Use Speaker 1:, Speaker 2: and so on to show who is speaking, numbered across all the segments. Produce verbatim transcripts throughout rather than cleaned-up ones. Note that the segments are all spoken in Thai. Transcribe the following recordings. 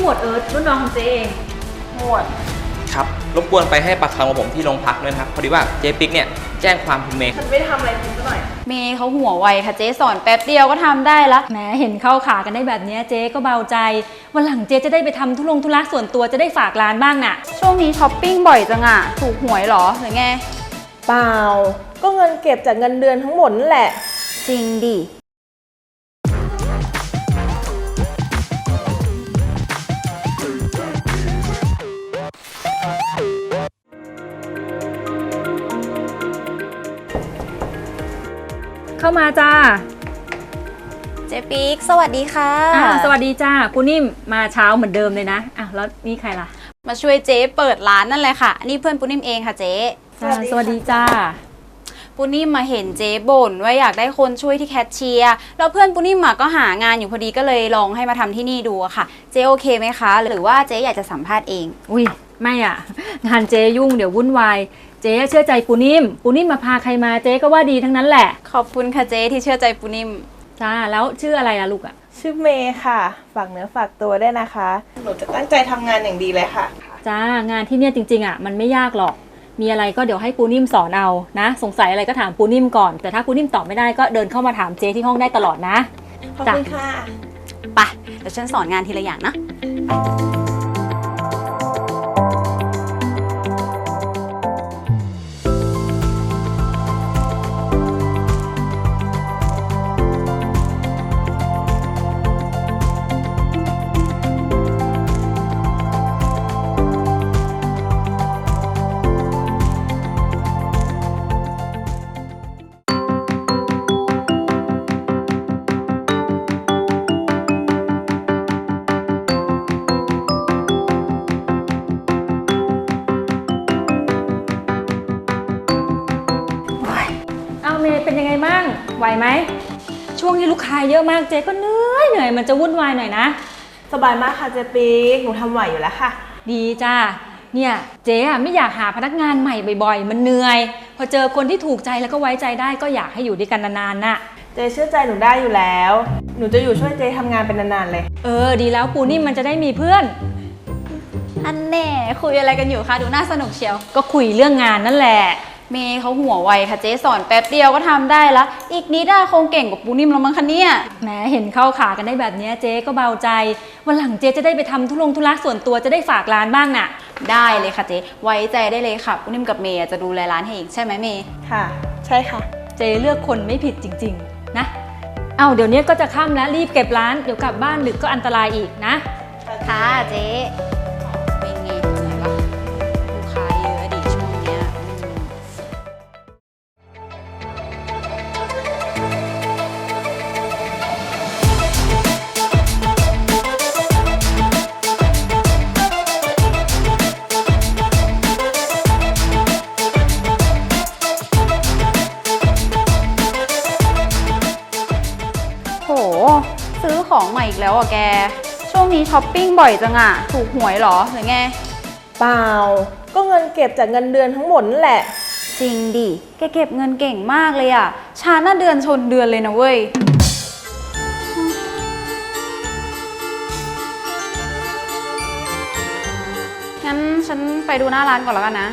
Speaker 1: หมวดเอิร์ธรุ่นน้องของเจ๊เองหมวด
Speaker 2: ครับรบกวนไปให้ปากคำกับผมที่โรงพักด้วยนะครับพอดีว่าเจ๊ปิ๊กเนี่ยแจ้งความคุณเมย์
Speaker 1: ฉันไม่ได้ทำอะไรคุณซะหน่อย
Speaker 3: เมย์เขาหัวไวค่ะเจ๊สอนแป๊บเดียวก็ทำได้ละ
Speaker 4: แหมเห็นเข้าขากันได้แบบนี้เจ๊ก็เบาใจวันหลังเจ๊จะได้ไปทำธุรงธุระส่วนตัวจะได้ฝากร้านบ้างน่ะ
Speaker 3: ช่วงนี้ช้อปปิ้งบ่อยจังอะถูกหวยหรอหรือไง
Speaker 5: เปล่าก็เงินเก็บจากเงินเดือนทั้งหมดนั่นแหละ
Speaker 3: จริงดิ
Speaker 4: เข้ามาจ้า
Speaker 3: เจ๊ปิ๊กสวัสดีค่ะ
Speaker 4: สวัสดีจ้ากูนิ่มมาเช้าเหมือนเดิมเลยนะอ่ะแล้วนี่ใครล่ะ
Speaker 3: มาช่วยเจ๊เปิดร้านนั่นแหละค่ะนี่เพื่อนปูนิ่มเองค่ะเจ๊
Speaker 4: สวัสดีจ้า
Speaker 3: ปูนิ่มมาเห็นเจ๊บ่นว่าอยากได้คนช่วยที่แคชเชียร์แล้วเพื่อนปูนิ่มก็หางานอยู่พอดีก็เลยลองให้มาทำที่นี่ดูค่ะเจ๊โอเคไหมคะหรือว่าเจ๊อยากจะสัมภาษณ์เอง
Speaker 4: อุ้ยไม่อ่ะงานเจ๊ยุ่งเดี๋ยววุ่นวายเจ๊เชื่อใจปูนิ่มปูนิ่มมาพาใครมาเจ๊ก็ว่าดีทั้งนั้นแหละ
Speaker 3: ขอบคุณค่ะเจ๊ที่เชื่อใจปูนิ่ม
Speaker 4: จ้าแล้วชื่ออะไรล่ะลูกอ่ะ
Speaker 5: ชื่อเมย์ค่ะฝากเนื้อฝากตัวได้นะคะหนูจะตั้งใจทำงานอย่างดีเลยค่ะ
Speaker 4: จ้างานที่เนี่ยจริงๆอ่ะมันไม่ยากหรอกมีอะไรก็เดี๋ยวให้ปูนิ่มสอนเอานะสงสัยอะไรก็ถามปูนิ่มก่อนแต่ถ้าปูนิ่มตอบไม่ได้ก็เดินเข้ามาถามเจ๊ที่ห้องได้ตลอดนะ
Speaker 5: ขอบคุณค่ะ
Speaker 3: ไปเดี๋ยวฉันสอนงานทีละอย่างนะ
Speaker 4: เมย์เป็นยังไงบ้างไหวไหมช่วงนี้ลูกค้าเยอะมากเจ๊ก็เหนื่อยเหนื่อยมันจะวุ่นวายหน่อยนะ
Speaker 5: สบายมากค่ะเจ๊ปิ๊กหนูทำไหวอยู่แล้วค่ะ
Speaker 4: ดีจ้าเนี่ยเจ๊อะไม่อยากหาพนักงานใหม่บ่อยๆมันเหนื่อยพอเจอคนที่ถูกใจแล้วก็ไว้ใจได้ก็อยากให้อยู่ด้วยกันนานๆน่ะ
Speaker 5: เจ๊เชื่อใจหนูได้อยู่แล้วหนูจะอยู่ช่วยเจ๊ทำงานเป็นนานๆเลย
Speaker 4: เออดีแล้วปูนิ่มมันจะได้มีเพื่อน
Speaker 3: อันแน่คุยอะไรกันอยู่คะดูน่าสนุกเชียว
Speaker 4: ก็คุยเรื่องงานนั่นแหละ
Speaker 3: เมย์เขาหัวไวค่ะเจ๊สอนแป๊บเดียวก็ทำได้ละอีกนิดอะคงเก่งกว่าปูนิ่มแล้วมั้งคะเนี่ย
Speaker 4: แหมเห็นเข้าขากันได้แบบนี้เจ๊ก็เบาใจวันหลังเจ๊จะได้ไปทำธุรงธุระส่วนตัวจะได้ฝากร้านบ้างน่ะ
Speaker 3: ได้เลยค่ะเจ๊ไว้ใจได้เลยค่ะปูนิ่มกับเมย์จะดูแลร้านให้เองใช่ไหมเมย์
Speaker 5: ค่ะใช่ค่ะ
Speaker 4: เจ๊เลือกคนไม่ผิดจริงๆนะเอาเดี๋ยวนี้ก็จะค่ำแล้วรีบเก็บร้านเดี๋ยวกลับบ้านดึกก็อันตรายอีกนะ
Speaker 3: ค่ะเจ๊เป็นไงไหนวะลูกค้าเยอะดิช่วงเนี้ยโหซื้อของใหม่อีกแล้วอ่ะแกช่วงนี้ช้อปปิ้งบ่อยจังอ่ะถูกหวยหรอหรือไง
Speaker 5: เปล่าก็เงินเก็บจากเงินเดือนทั้งหมดนั่นแหละ
Speaker 3: จริงดิแกเก็บเงินเก่งมากเลยอ่ะชาหน้าเดือนชนเดือนเลยนะเว้ยงั้นฉันไปดูหน้าร้านก่อนแล้วกันนะ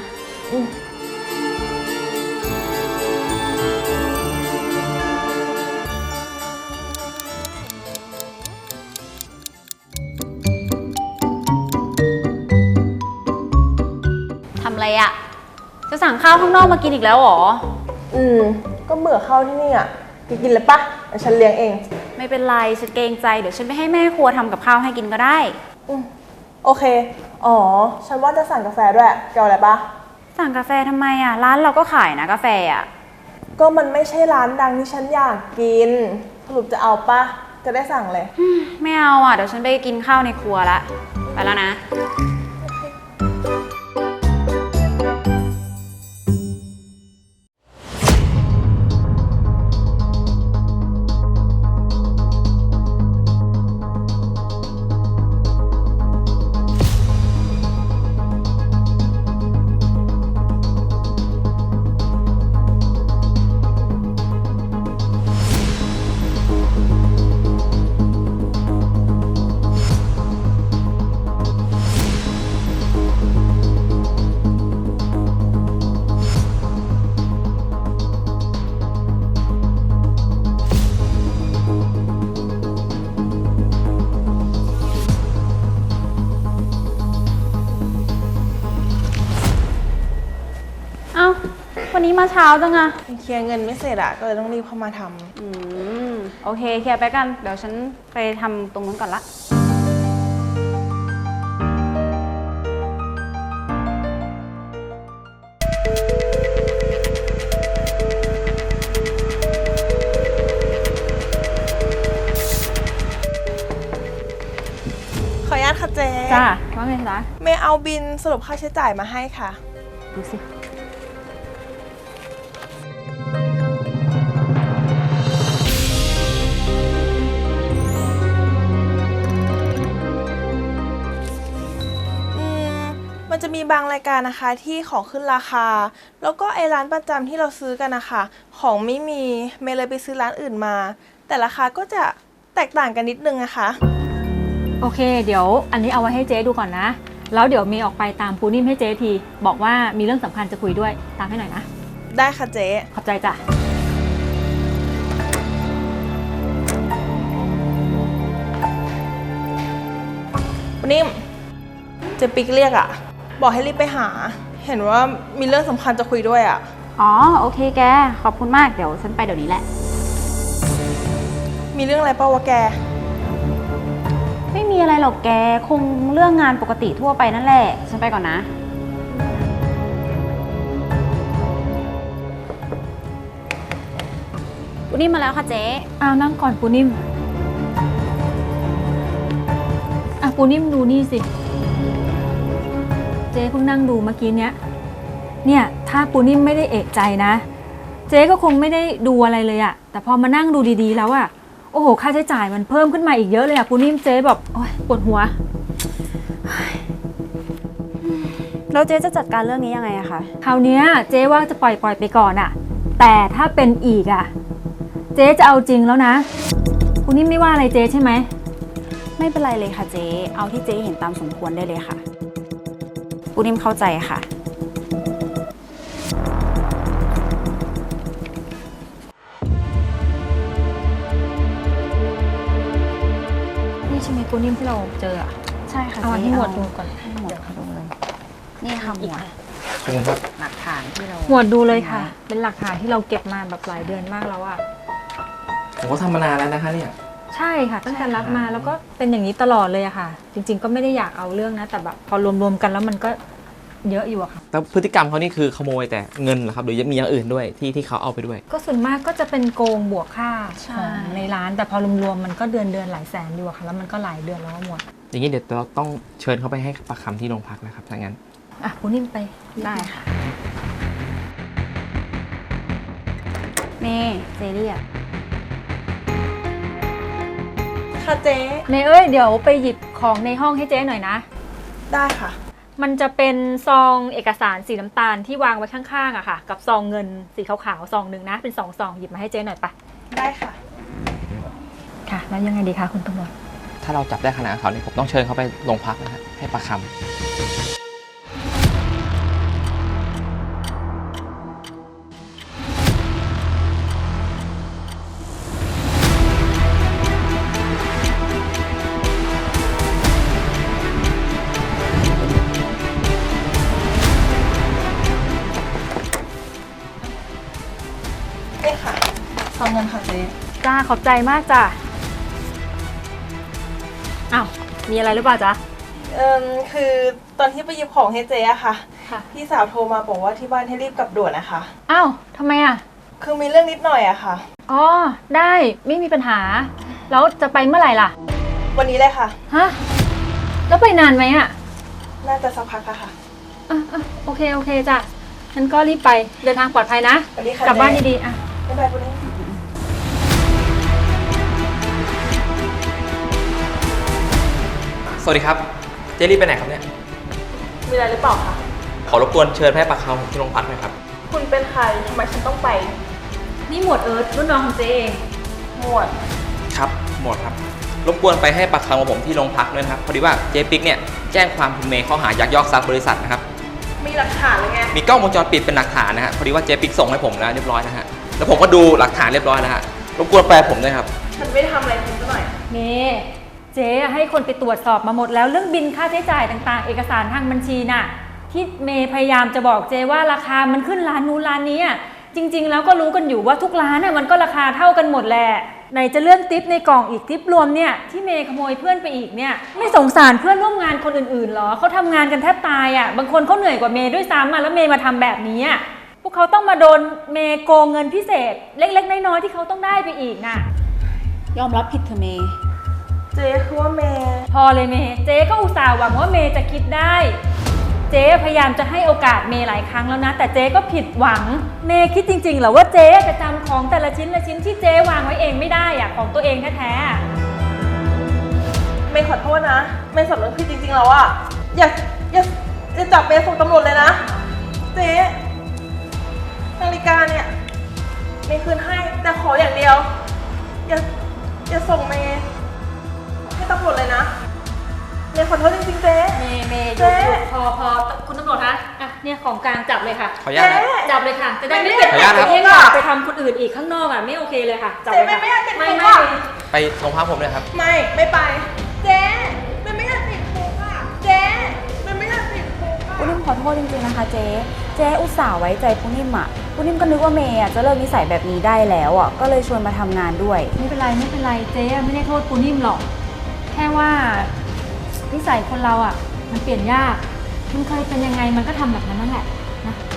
Speaker 3: ทำอะไรอะจะสั่งข้าวข้างนอกมากินอีกแล้วหรอ
Speaker 5: อืมก็เบื่อข้าวที่นี่อ่ะกินกินเลยปะฉันเลี้ยงเอง
Speaker 3: ไม่เป็นไรฉันเกรงใจเดี๋ยวฉันไปให้แม่ครัวทำกับข้าวให้กินก็ได้
Speaker 5: อืมโอเคอ๋อฉันว่าจะสั่งกาแฟด้วยแกเอาอะไรปะ
Speaker 3: สั่งกาแฟทำไมอะร้านเราก็ขายนะกาแฟอะ
Speaker 5: ก็มันไม่ใช่ร้านดังที่ฉันอยากกินสรุปจะเอาปะจะได้สั่งเลย
Speaker 3: ไม่เอาอะเดี๋ยวฉันไปกินข้าวในครัวละไปแล้วนะวันนี้มาเช้าจังอะ
Speaker 5: เคลียร์เงินไม่เสร็จอะก็เลยต้องรีบเข้ามาทำ
Speaker 3: อืมโอเคเคลียร์ไปกันเดี๋ยวฉันไปทำตรงนู้นก่อนละ
Speaker 5: ขออนุญาตค่ะเจ๊
Speaker 3: จ้าว่าไงจ๊ะ
Speaker 5: เมย์เอาบินสรุปค่าใช้จ่ายมาให้ค่ะ
Speaker 3: ดูสิ
Speaker 5: อืมมันจะมีบางรายการนะคะที่ของขึ้นราคา แล้วก็ไอ้ร้านประจำที่เราซื้อกันนะคะของไม่มีเมย์เลยไปซื้อร้านอื่นมา แต่ราคาก็จะแตกต่างกันนิดนึงนะคะ
Speaker 4: โอเค เดี๋ยวอันนี้เอาไว้ให้เจ๊ดูก่อนนะ แล้วเดี๋ยวมีออกไปตามปูนิ่มให้เจ๊ทีบอกว่ามีเรื่องสำคัญจะคุยด้วยตามให้หน่อยนะ
Speaker 5: ได้ค่ะเจ๊
Speaker 4: ขอบใจจ้ะ
Speaker 5: ปนิ่มเจ๊ปิ๊กเรียกอะบอกให้รีบไปหา เห็นว่ามีเรื่องสำคัญจะคุยด้วยอะ
Speaker 3: อ๋อโอเคแกขอบคุณมากเดี๋ยวฉันไปเดี๋ยวนี้แหละ
Speaker 5: มีเรื่องอะไรเปล่าวะแก
Speaker 3: ไม่มีอะไรหรอกแกคงเรื่องงานปกติทั่วไปนั่นแหละฉันไปก่อนนะปูนิ่มมาแล้วค่ะเจ๊
Speaker 4: อ้าวนั่งก่อนปูนิ่มอ่ะปูนิ่มดูนี่สิ เจ๊เพิ่งนั่งดูเมื่อกี้เนี้ย เนี่ยถ้าปูนิ่มไม่ได้เอะใจนะ เจ๊ก็คงไม่ได้ดูอะไรเลยอะแต่พอมานั่งดูดีๆแล้วอะโอ้โหค่าใช้จ่ายมันเพิ่มขึ้นมาอีกเยอะเลยอะปูนิ่มเจ๊แบบโอ๊ยปวดหัว
Speaker 3: แล้วเจ๊จะจัดการเรื่องนี้ยังไงอะคะ
Speaker 4: คราวเนี้ยเจ๊ว่าจะปล่อยปล่อยไปก่อนอะแต่ถ้าเป็นอีกอะเจ๊จะเอาจริงแล้วนะปูนิ่มไม่ว่าอะไรเจ๊ใช่ไหม
Speaker 3: ไม่เป็นไรเลยค่ะเจ๊เอาที่เจ๊เห็นตามสมควรได้เลยค่ะปูนิ่มเข้าใจค่ะ
Speaker 4: นี่ใช่ไหมปูนิ่มที่เราเจออะ
Speaker 3: ใช่ค่ะ
Speaker 4: เอาอันที่หมวดดูก่อน
Speaker 3: ให้หมวดเขาดูเลยนี่ค่ะหมวด
Speaker 2: ขอบคุณครับ
Speaker 3: หลักฐานที่เรา
Speaker 4: หมวดดูเลยค่ะ เป็นหลักฐานที่เราเก็บมาแบบหลายเดือนมากแล้วอะ
Speaker 2: ผมก็ทำมานานแล้วนะคะเนี่ย
Speaker 4: ใช่ค่ะตั้งแต่รับมาแล้วก็เป็นอย่างนี้ตลอดเลยอะค่ะ จริงๆก็ไม่ได้อยากเอาเรื่องนะแต่แบบพอรวมๆกันแล้วมันก็เยอะอยู่อะค่ะ
Speaker 2: แล้วพฤติกรรมเขานี่คือขโมยแต่เงินเหรอครับหรือยังมีอย่างอื่นด้วยที่ที่เขาเอาไปด้วย
Speaker 4: ก็ส่วนมากก็จะเป็นโกงบวกค่าของในร้านแต่พอรวมๆมันก็เดือนเดือนๆหลายแสนอยู่อะค่ะแล้วมันก็หลายเดือนแล้วหมด
Speaker 2: อย่างนี้เดี๋ยวเราต้องเชิญเขาไปให้ปากคำที่โรงพักนะครับถ้างั้น
Speaker 4: อ่ะปูนิ่มไป
Speaker 3: ได้ค่ะนี่เจเรียก
Speaker 5: ค่ะเจ๊
Speaker 4: เนยเอ้ยเดี๋ยวไปหยิบของในห้องให้เจ๊หน่อยนะ
Speaker 5: ได้ค่ะ
Speaker 4: มันจะเป็นซองเอกสารสีน้ำตาลที่วางไว้ข้างๆอะค่ะกับซองเงินสีขาวๆซองหนึ่งนะเป็นสองซองหยิบมาให้เจ๊หน่อยปะ
Speaker 5: ได้ค่ะ
Speaker 4: ค่ะแล้วยังไงดีคะคุณตำรวจ
Speaker 2: ถ้าเราจับได้ขนาดเขานี่ผมต้องเชิญเขาไปโรงพักนะฮะให้ปากคำ
Speaker 5: นี่ค่ะซองเงินค่ะเจ๊
Speaker 4: จ้าขอบใจมากจ้าอ้าวมีอะไรหรือเปล่าจ๊ะ
Speaker 5: เอ่มคือตอนที่ไปหยิบของให้เจ๊อะค่ะ
Speaker 4: ค่ะ
Speaker 5: พี่สาวโทรมาบอกว่าที่บ้านให้รีบกลับด่วนนะคะ
Speaker 4: อ้าวทำไมอะ
Speaker 5: คือมีเรื่องนิดหน่อยอะค่ะ
Speaker 4: อ๋อได้ไม่มีปัญหา แล้วจะไปเมื่อไหร่ล่ะ
Speaker 5: วันนี้เลยค่ะ
Speaker 4: ฮะแล้วไปนานไหมอะ
Speaker 5: น่าจะสักพักอะค่ะ
Speaker 4: อ่ะอ่ะโอเคโอเคจ้ะงั้นก็รีบไปเดินทางปลอดภัยนะ
Speaker 5: สวัสดีค่ะ
Speaker 4: กลับบ้าน
Speaker 5: เจ๊
Speaker 4: ดีๆอ่ะ
Speaker 5: บ๊ายบายคุณนี่
Speaker 2: สวัสดีครับเจลี่ไปไหนครับเนี่ย
Speaker 5: มีอะไรหรือเปล่าคะ
Speaker 2: ขอรบกวนเชิญให้ปากคำผมที่โรงพักหน่อยครับ
Speaker 5: คุณเป็นใครทำไมฉันต้องไป
Speaker 3: นี่หมวดเอิร์ธรุ่นน้องของเจ๊เอง
Speaker 5: หมวด
Speaker 2: ครับหมดครับรบกวนไปให้ปากคำกับผมที่โรงพักด้วยนะครับพอดีว่าเจ๊ปิ๊กเนี่ยแจ้งความคุณเมย์ข้อหายักยอกทรัพย์บริษัทนะครับ
Speaker 5: มีหลักฐานเลยไง
Speaker 2: มีกล้องวงจรปิดเป็นหลักฐานนะฮะพอดีว่าเจ๊ปิ๊กส่งให้ผมแล้วเรียบร้อยนะฮะแล้วผมก็ดูหลักฐานเรียบร้อยแล้วฮะรบกวนแปลผมด้วยครับ
Speaker 5: ฉันไม่ได้ทำอะไรคุณซะหน่อย
Speaker 4: นี่เจ๊ให้คนไปตรวจสอบมาหมดแล้วเรื่องบินค่าใช้จ่ายต่างๆ เอกสารทางบัญชีน่ะที่เมย์พยายามจะบอกเจว่าราคามันขึ้นร้านนู้นร้านนี้อะจริง ๆ แล้วก็รู้กันอยู่ว่าทุกร้านน่ะมันก็ราคาเท่ากันหมดแหละไหนจะเลื่อนทิปในกล่องอีกทิปรวมเนี่ยที่เมย์ขโมยเพื่อนไปอีกเนี่ยไม่สงสารเพื่อนร่วมงานคนอื่นๆหรอเขาทำงานกันแทบตายอ่ะบางคนเขาเหนื่อยกว่าเมย์ด้วยซ้ำอ่ะแล้วเมย์มาทำแบบนี้อ่ะพวกเขาต้องมาโดนเมย์โกงเงินพิเศษเล็กๆน้อยๆที่เขาต้องได้ไปอีกน่ะ
Speaker 3: ยอมรับผิดเถอะเมย์
Speaker 5: เจ๊คือว่าเมย์
Speaker 4: พอเลยเมย์เจ๊ก็อุตส่าห์หวังว่าเมย์จะคิดได้เจ๊พยายามจะให้โอกาสเมย์หลายครั้งแล้วนะแต่เจ๊ก็ผิดหวังเมย์คิดจริงๆเหรอว่าเจ๊จะจำของแต่ละชิ้นละชิ้นที่เจ๊วางไว้เองไม่ได้อะของตัวเองแท้ๆ
Speaker 5: เมย์ขอโทษนะ เมย์สำนึกผิดจริงๆแล้วอะอย่าอย่าอย่าจับเมย์ส่งตำรวจเลยนะ เจ๊นาฬิกาเนี่ยเมย์คืนให้แต่ขออย่างเดียว อย่าอย่าส่งเมย์ให้ตำรวจเลยนะ เมย์ขอโทษจริงๆเจ๊
Speaker 4: เมย์เมย์ห
Speaker 5: เจ๊
Speaker 4: ยุดหยุดพอพอคุณตำรวจคะอ่ะเนี่ยของกลางจับเลยค่ะ
Speaker 2: ขออนุญาตนะ
Speaker 4: จับเลยค่ะจะได้ไม่
Speaker 5: ไม่
Speaker 4: เก็บ
Speaker 2: ขออนุญาตครับ
Speaker 4: เองอะไปทำคนอื่นอีกข้างนอกอ่ะไม่โอเคเลยค่ะจับ
Speaker 5: เจ๊
Speaker 4: เลย
Speaker 5: ไม่
Speaker 4: ค่ะ
Speaker 5: ไม่อยากติด
Speaker 4: ไม่
Speaker 5: คุก
Speaker 4: ไม่
Speaker 5: อะ
Speaker 2: ไปโรงพักผมเลยครับ
Speaker 5: ไม่ไม่ไป เจ๊เมย์ไม่อยากติดคุกอะเจ๊เมย์ไม่อยากติดคุกอะ
Speaker 3: ปุ้นิ่มขอโทษจริงๆนะคะเจ๊ เจ๊อุตส่าห์ไว้ใจปุ้นิ่มอ่ะปุ้นิ่มก็นึกว่าเมย์อะจะเลิกนิสัยแบบนี้ได้แล้วอ่ะ ก็เลยชวนมาทำงานด้วย
Speaker 4: ไม่เป็นไรไม่เป็นไรเจ๊ไม่ได้โทษปูนิ่มหรอกแค่ว่านิสัยคนเราอ่ะมันเปลี่ยนยากมันเคยเป็นยังไงมันก็ทำแบบนั้นนั่นแหละนะ